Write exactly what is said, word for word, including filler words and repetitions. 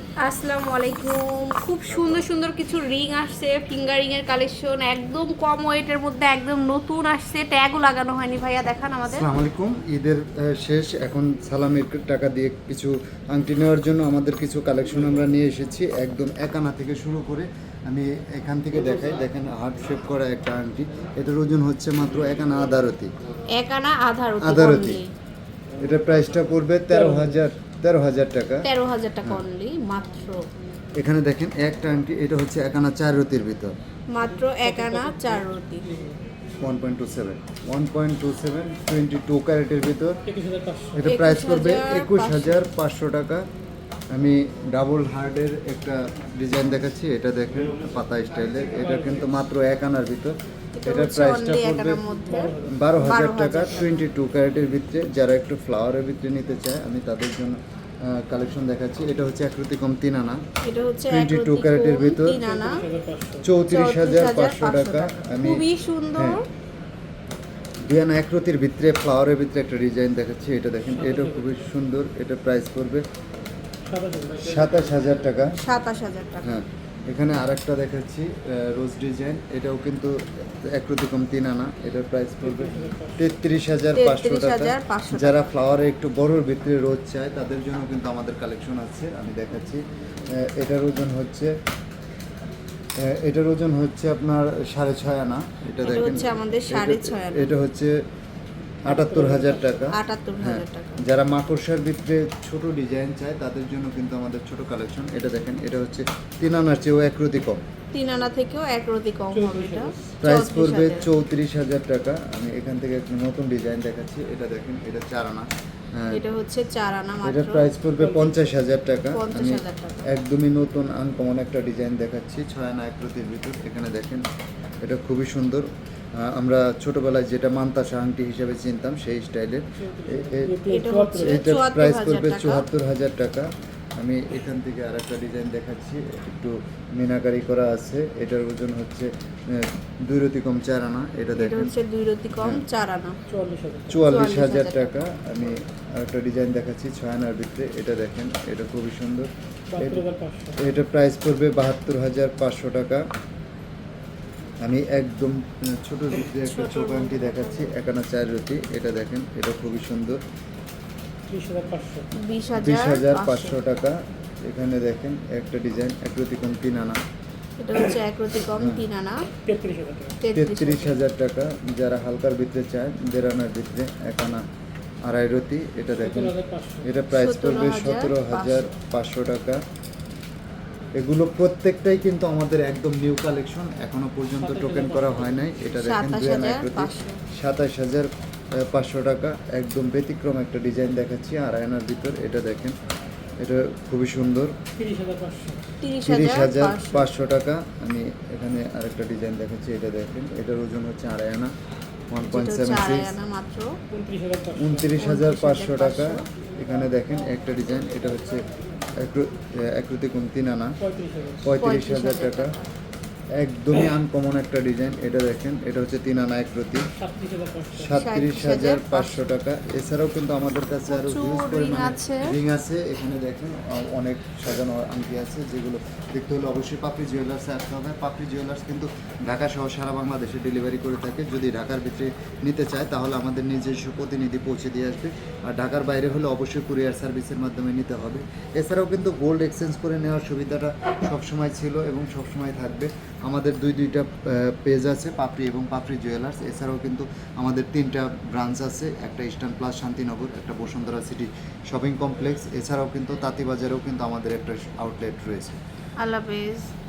আসসালামু আলাইকুম। খুব সুন্দর সুন্দর কিছু রিং আসছে, ফিঙ্গার রিং এর কালেকশন একদম কম ওয়েটের মধ্যে, একদম নতুন আসছে, ট্যাগও লাগানো হয়নি। ভাইয়া দেখান আমাদের। আসসালামু আলাইকুম। ঈদের আহ, শেষ, এখন সালামির টাকা দিয়ে কিছু আংটি নেওয়ার জন্য আমাদের কিছু কালেকশন আমরা নিয়ে এসেছি। একদম এক আনা থেকে শুরু করে আমি এখান থেকে দেখাই, দেখেন হার্ট শেপ করা একটা আংটি। এটার ওজন হচ্ছে মাত্র এক আনা আধারতি এক আনা আধারতি আধারতি এটার প্রাইসটা পড়বে তেরো হাজার তেরো হাজার টাকা তেরো হাজার টাকা অনলি মাত্র। এখানে দেখেন একটা আংটি, এটা হচ্ছে এক আনা চার রতির ভিতর, মাত্র এক আনা চার রতি one point two seven one point two seven twenty two ক্যারেটের ভিতর। এটা প্রাইস করবে একুশ হাজার পাঁচশো টাকা। আমি ডাবল হার্ডের একটা ডিজাইন দেখাচ্ছি, এটা দেখেন পাতা স্টাইলের, এটা কিন্তু মাত্র এক আনার ভিতর। এটার প্রাইসটা পড়বে বারো হাজার টাকা, টোয়েন্টি টু ক্যারেটের ভিতরে। যারা একটু ফ্লাওয়ারের ভিতরে নিতে চায় আমি তাদের জন্য কালেকশন দেখাচ্ছি। এটা হচ্ছে একরতি কম তিন আনা, টোয়েন্টি টু ক্যারেটের ভিতর, চৌত্রিশ হাজার পাঁচশো টাকা। আমি খুবই সুন্দর দুই আনা একরতির ভিতরে ফ্লাওয়ারের ভিতরে একটা ডিজাইন দেখাচ্ছি, এটা দেখেন, এটা খুবই সুন্দর। এটা প্রাইস পড়বে সাতাশ হাজার টাকা। সাতাশ হাজার টাকা। হ্যাঁ, এখানে আরেকটা দেখাচ্ছি রোজ ডিজাইন, এটাও কিন্তু একরতি কম তিন আনা। এটার প্রাইস পড়বে তেত্রিশ হাজার পাঁচশো টাকা। যারা ফ্লাওয়ারে একটু বড়োর ভিতরে রোজ চায় তাদের জন্য কিন্তু আমাদের কালেকশন আছে, আমি দেখাচ্ছি। এটার ওজন হচ্ছে এটার ওজন হচ্ছে আপনার সাড়ে ছয় আনা। এটা দেখেন, আমাদের সাড়ে ছয় আনা। এটা হচ্ছে আটাত্তর হাজার টাকা। আটাত্তর হাজার টাকা। যারা মাকড়সার ভিতরে ছোট ডিজাইন চায় তাদের জন্য কিন্তু আমাদের ছোট কালেকশন। এটা দেখেন, এটা হচ্ছে তিন আনার চেয়েও একরতি কম, তিন আনা থেকেও এক রতি কম হবে। এটা প্রাইস পড়বে চৌত্রিশ হাজার টাকা। আমি এখান থেকে একটা নতুন ডিজাইন দেখাচ্ছি, এটা দেখেন, এটা চার আনা। এটা হচ্ছে চার আনা মাত্র। এটার প্রাইস পড়বে পঞ্চাশ হাজার টাকা। পঞ্চাশ আমি হাজার টাকা। একদমই নতুন আনকমন একটা ডিজাইন দেখাচ্ছি, ছয় আনা একরতির ভিতর। এখানে দেখেন, এটা খুবই সুন্দর। আমরা ছোটবেলায় যেটা মান্তাসা আংটি হিসেবে চিনতাম সেই স্টাইলের। এটার প্রাইস পড়বে চুয়াত্তর হাজার টাকা। আমি এখান থেকে আর একটা ডিজাইন দেখাচ্ছি, একটু মিনাকারি করা আছে। এটার ওজন হচ্ছে দুই রতি কম চার আনা। এটা দেখেন, দুই রতি কম চার আনা, চুয়াল্লিশ হাজার টাকা। আমি আরেকটা ডিজাইন দেখাচ্ছি ছয় আনার ভিতরে, এটা দেখেন, এটা খুবই সুন্দর। এটা প্রাইস পড়বে বাহাত্তর হাজার পাঁচশো টাকা। আমি একদম ছোট ভিতরে একটা ছোট আংটি দেখাচ্ছি, এক আনা চার রতি। এটা দেখেন, এটা খুবই সুন্দর, বিশ হাজার পাঁচশো টাকা। এখানে দেখেন একটা ডিজাইন একরতি কম তিন আনা, এটা হচ্ছে একরতি কম তিন আনা, তেত্রিশ হাজার টাকা। যারা হালকার ভিতরে চায় দেড় আনার ভিতরে এক আনা আড়াই রতি, এটা দেখেন, এটা প্রাইস পড়বে সতেরো হাজার পাঁচশো টাকা। এগুলো প্রত্যেকটাই কিন্তু আমাদের একদম নিউ কালেকশন, এখনো পর্যন্ত টোকেন করা হয় নাই। এটা দেখেন দুই আনা একরতি, সাতাশ হাজার পাঁচশো টাকা। একদম ব্যতিক্রম একটা ডিজাইন দেখাচ্ছি আড়াই আনার ভিতর। এটা দেখেন, এটা খুবই সুন্দর, তিরিশ হাজার পাঁচশো টাকা। আমি এখানে আরেকটা ডিজাইন দেখাচ্ছি, এটা দেখেন, এটার ওজন হচ্ছে আড়াই আনা, ওয়ান পয়েন্ট সেভেন সিক্স, উনত্রিশ হাজার পাঁচশো টাকা। এখানে দেখেন একটা ডিজাইন, এটা হচ্ছে একরতি কম তিন আনা, পঁয়ত্রিশ হাজার টাকা। একদমই আনকমন একটা ডিজাইন, এটা দেখেন, এটা হচ্ছে তিন আনা একরতি, সাতত্রিশ হাজার পাঁচশো টাকা। এছাড়াও কিন্তু আমাদের কাছে আরো হিউজ পরিমাণে রিং আছে। এখানে দেখেন অনেক সাজানো আংটি আছে, যেগুলো দেখতে হলে অবশ্যই পাপড়ি জুয়েলার্সে আসতে হবে। পাপড়ি জুয়েলার্স কিন্তু ঢাকা সহ সারা বাংলাদেশে ডেলিভারি করে থাকে। যদি ঢাকার ভিতরে নিতে চায় তাহলে আমাদের নিজস্ব প্রতিনিধি পৌঁছে দিয়ে আসবে, আর ঢাকার বাইরে হলে অবশ্যই কুরিয়ার সার্ভিসের মাধ্যমে নিতে হবে। এছাড়াও কিন্তু গোল্ড এক্সচেঞ্জ করে নেওয়ার সুবিধাটা সবসময় ছিল এবং সবসময় থাকবে। আমাদের দুই দুইটা পেজ আছে, পাপড়ি এবং পাপড়ি জুয়েলার্স। এছাড়াও কিন্তু আমাদের তিনটা ব্রাঞ্চ আছে, একটা ইস্টার্ন প্লাস শান্তিনগর, একটা বসুন্ধরা সিটি শপিং কমপ্লেক্স। এছাড়াও কিন্তু তাঁতিবাজারেও কিন্তু আমাদের একটা আউটলেট রয়েছে। আল্লাহ হাফেজ।